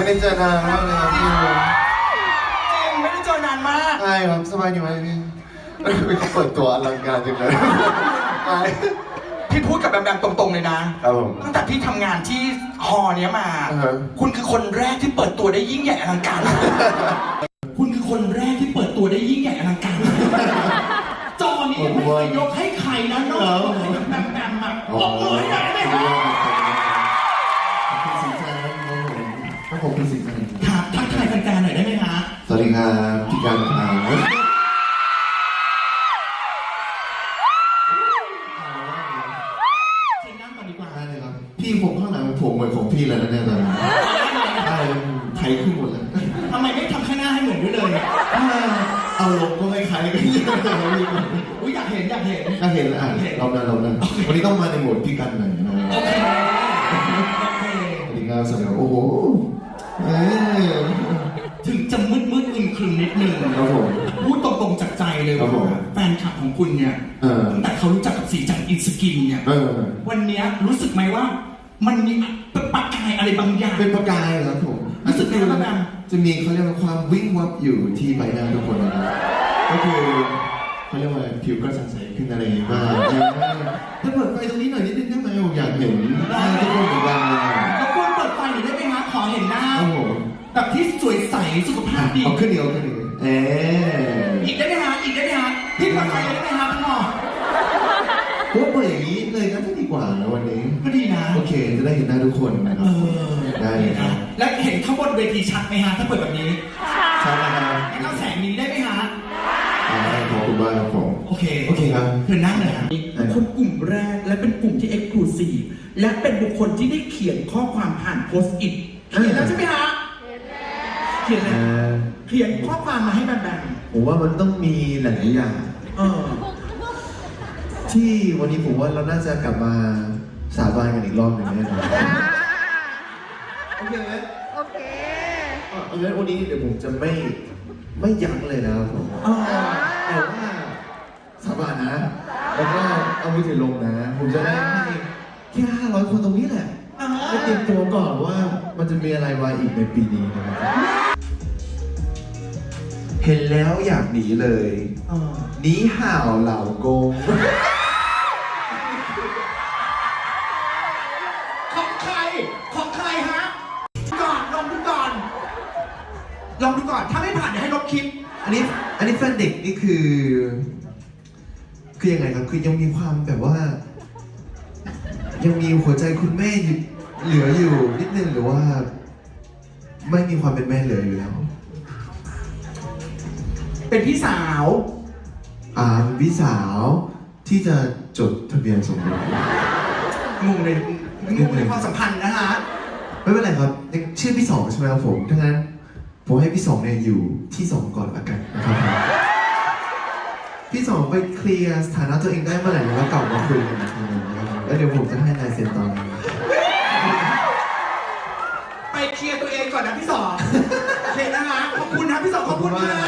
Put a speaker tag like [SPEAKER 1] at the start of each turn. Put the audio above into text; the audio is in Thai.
[SPEAKER 1] ได้เจอนานมากเลยครับพี่
[SPEAKER 2] จริงไม่ได้เจอนานมาก
[SPEAKER 1] ใช่ครับสบายดีไหมพี่เปิดตัวอลังการจังเลย
[SPEAKER 2] พี่พูดกับแบมตรงๆเลยนะครับ
[SPEAKER 1] ผม
[SPEAKER 2] ตั้งแต่พี่ทำงานที่ฮอเนี้ยมา คุณคือคนแรกที่เปิดตัวได้ยิ่งใหญ่อลังการคุณคือคนแรกที่เปิดตัวได้ยิ่งใหญ่อลังการจอนี้ไม่เคยยกให้ใครนะนอกจากแบมมาบอกเลยได้ไหมครับ
[SPEAKER 1] ผมเป็นสิงห์
[SPEAKER 2] ครับทักทายแฟนๆหน่อยได้ไหมฮะ
[SPEAKER 1] สวัสดีครับพี่การครับ
[SPEAKER 2] เชิญนั่งก่อนดีกว่า
[SPEAKER 1] ได้เลยครับพี่ผมข้างหลังผมเหมือนของพี่เลยนะเนี่ยตอนนี้ได้ไทยขึ้นหมดเลย
[SPEAKER 2] ทำไมไม่ทำข้างหน้าให้เหมือนด้วยเลย
[SPEAKER 1] เอาลงก็ไม่คล้ายกัน
[SPEAKER 2] อุ้ยอยากเห็น
[SPEAKER 1] เรานั้นวันนี้ต้องมาในโหมดพี่กันหน่อยนะ
[SPEAKER 2] โอเค
[SPEAKER 1] สวัสดีครับสวัสดีครับโอ้โห
[SPEAKER 2] ถึงจะมืดอึมครึมนิดนึง
[SPEAKER 1] ครับผม
[SPEAKER 2] พูดตรงๆจากใจเลยว่าแฟนคลับของคุณเนี่ยตั้งแต่เขารู้จักกับสีจันอินสกินเนี่ยวันนี้รู้สึกไหมว่ามันมีประกายอะไรบางอย่าง
[SPEAKER 1] เป็นประกายครับผม
[SPEAKER 2] รู้สึกไงบ้าง
[SPEAKER 1] จะมีเขาเรียกว่าความวิ่งวับอยู่ที่ใบหน้าทุกคนนะครับก็คือเขาเรียกว่าผิวกระจ่างใสขึ้นอะไรบ้างถ้าเปิดไฟตรงนี้หน่อยนิดนึงได้ไหมผมอยากเห็นหน้าทุกคนเหมือนกัน
[SPEAKER 2] แล้วคุณเปิดไฟหน่อยได้ไหมคะขอเห็นหน้าแบบที่สวยใสสุขภาพดี
[SPEAKER 1] เอาขึ้นอีก
[SPEAKER 2] อีกได้ไหมฮะอีกได้ไหมฮะพี่เปิดไฟได้ไหมฮะพี่หมอ
[SPEAKER 1] ว่าเปิดอย่างนี้เลยก็ดีกว่านะวันนี้
[SPEAKER 2] ก็ดีนะ
[SPEAKER 1] โอเคจะได้เห็นหน้าทุกคนนะครับได้เลยนะ
[SPEAKER 2] แล้วเห็นข้างบนเวทีชัดไหมฮะถ้าเปิดแบบนี้
[SPEAKER 1] ชัดนะครับ
[SPEAKER 2] แล้วแสงนี้ได้ไหมฮะ
[SPEAKER 1] ขอบคุณมากครับผม
[SPEAKER 2] โอเค
[SPEAKER 1] ครับ
[SPEAKER 2] เธอนั่งเลยฮะคนกลุ่มแรกและเป็นกลุ่มที่เอ็กซ์คลูซีฟและเป็นบุคคลที่ได้เขียนข้อความผ่านโพสต์อิทเขียนแล้วใช่ไหมฮะเขียนข้อความมาให้แบม
[SPEAKER 1] ผมว่ามันต้องมีหลายอย่างที่วันนี้ผมว่าเราน่าจะกลับมาสาบานกันอีกรอบหนึ่งแน่นอนโอเคไหมโอเคงั้นวันนี้เดี๋ยวผมจะไม่ยั้งเลยนะครับผมแต่ว่าสาบานนะแล้วก็เอามือถือลงนะผมจะได้ให้แค่500 คนตรงนี้แหละให้เตรียมตัวก่อนว่ามันจะมีอะไรมาอีกในปีนี้นะครับเห็นแล้วอยากหนีเลยหนีห่าวเหล่ากง
[SPEAKER 2] ของใครฮะลองดูก่อนถ้าไม่ผ่านเดี๋ยวให้ลบคลิป
[SPEAKER 1] อันนี้แฟนเด็กนี่คือยังไงครับคือยังมีความแบบว่ายังมีหัวใจคุณแม่เหลืออยู่นิดนึงหรือว่าไม่มีความเป็นแม่เหลืออยู่แล้ว
[SPEAKER 2] เป็นพี่สาว
[SPEAKER 1] พี่สาวที่จะจดทะเบียนสมรส
[SPEAKER 2] งงในความสัมพันธ์นะฮะ
[SPEAKER 1] ไม่เป็นไรครับชื่อพี่สองใช่ไหมครับผมทั้งนั้นผมให้พี่สองเนี่ยอยู่ที่2ก่อนละกันนะครับพี่สองไปเคลียร์สถานะตัวเองได้เมื่อไหร่แล้วกลับมาคุยกันนะครับแล้วเดี๋ยวผมจะให้ลายเซ็นตอนนี้
[SPEAKER 2] ไปเคลียร์ตัวเองก่อนนะพี่สองโอเคนะฮะขอบคุณนะพี่สองขอบคุณนะ